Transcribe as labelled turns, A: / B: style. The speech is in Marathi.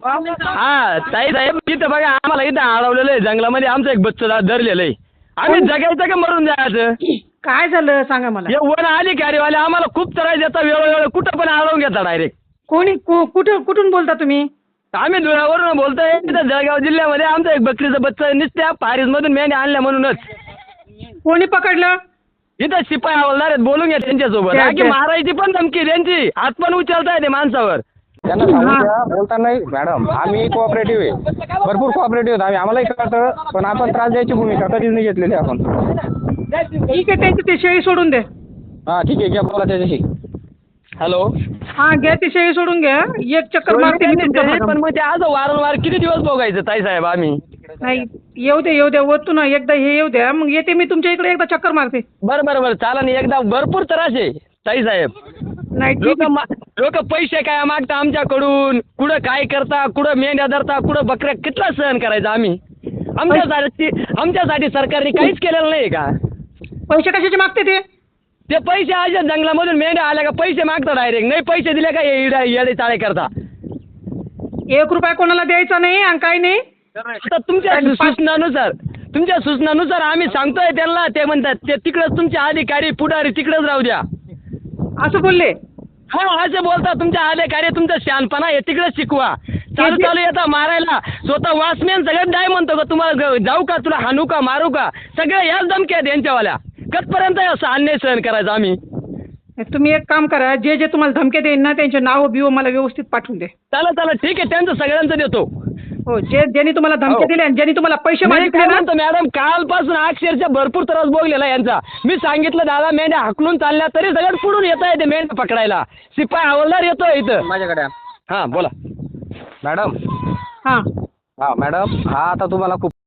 A: हा ताई साहेब तिथं बघा आम्हाला इथं अडवलेलं आहे जंगलामध्ये आमचं एक बच्चं धरलेलं आहे. आम्ही जगायचं का मरून जायचं?
B: काय झालं सांगा मला.
A: हे वन अधिकारीवाले आम्हाला खूप त्रास देतात वेळोवेळी कुठं पण अडवून घेतात डायरेक्ट.
B: कुठून बोलता तुम्ही?
A: आम्ही धुळ्यावरून बोलतोय इथं जळगाव जिल्ह्यामध्ये आमचं एक बकरीचं बच्चं नुसत्या पारीजमधून मेंढ्या आणल्या म्हणूनच.
B: कोणी पकडलं?
A: इथं शिपाई हवालदार आहेत बोलून घ्या त्यांच्यासोबत. की मारायची पण धमकी त्यांची हात पण उचलताय ते माणसावर.
C: त्यांना सांगून द्या बोलताना नाही मॅडम आम्ही कोऑपरेटिव्ह आहे भरपूर कोऑपरेटिव्ह आहेत आम्ही आम्हालाही कळतं पण आपण त्रास द्यायची भूमिका कधीच नाही घेतलेली आपण.
B: ठीक आहे त्यांची ती शेळी सोडून दे.
C: हां ठीक आहे घ्या बोला त्याच्याशी.
A: हॅलो
B: हा घ्या ती शेळी सोडून घ्या एक चक्कर मारते मी तुमच्या
A: पण
B: भागात.
A: मग ते आज वारंवार किती दिवस बघायचं ताई साहेब आम्ही.
B: नाही येऊ द्या वरतून एकदा हे येऊ द्या मग येते मी तुमच्या इकडे एकदा चक्कर मारते.
A: बरं चालेल एकदा भरपूर त्रास आहे ताई साहेब.
B: नाही ठीक आहे.
A: लोक पैसे काय मागता आमच्याकडून कुठं काय करता कुठं मेंढ्या धरता कुठं बकऱ्या कितला सहन करायचा आम्ही. आमच्यासाठी सरकारने काहीच केलेलं नाही का?
B: पैसे कशाचे मागते ते
A: पैसे आज जंगलामधून मेंढ्या आल्या का पैसे मागता डायरेक्ट नाही पैसे दिले का येडे चाळे करता.
B: 1 रुपया कोणाला द्यायचा नाही आणि काही नाही.
A: आता तुमच्या सूचनानुसार आम्ही सांगतोय त्यांना ते म्हणतात ते तिकडच तुमचे अधिकारी पुढारी तिकडच राहू द्या
B: असं बोलले.
A: हा असे बोलता तुमच्या अधिकारी तुमचा शहाणपणा हे तिकडेच शिकवा. चालू येता मारायला स्वतः वॉचमॅन सगळ्यात काय म्हणतो का तुम्हाला जाऊ का तुला हाणू का मारू का सगळ्या याच धमक्या आहेत यांच्यावाल्या. कधपर्यंत असं अन्याय सहन करायचा आम्ही.
B: तुम्ही एक काम करा जे तुम्हाला धमक्या देईन ना त्यांचे नाव बिव मला व्यवस्थित पाठवून दे.
A: चला ठीक आहे त्यांचं सगळ्यांचं देतो.
B: हो ज्यांनी तुम्हाला धमकी दिल्या आणि ज्यांनी तुम्हाला पैसे मागितले ना.
A: मॅडम कालपासून अक्षरशः भरपूर त्रास भोगलेला यांचा. मी सांगितलं दादा मेंढ्या हाकलून चालल्या तरी सगळ्यात पुढून येत आहे ते मेंढ्या पकडायला. शिपाई हवालदार येतोय इथं
C: माझ्याकडे
A: हां बोला
C: मॅडम.
B: हां
C: हां मॅडम हा आता तुम्हाला खूप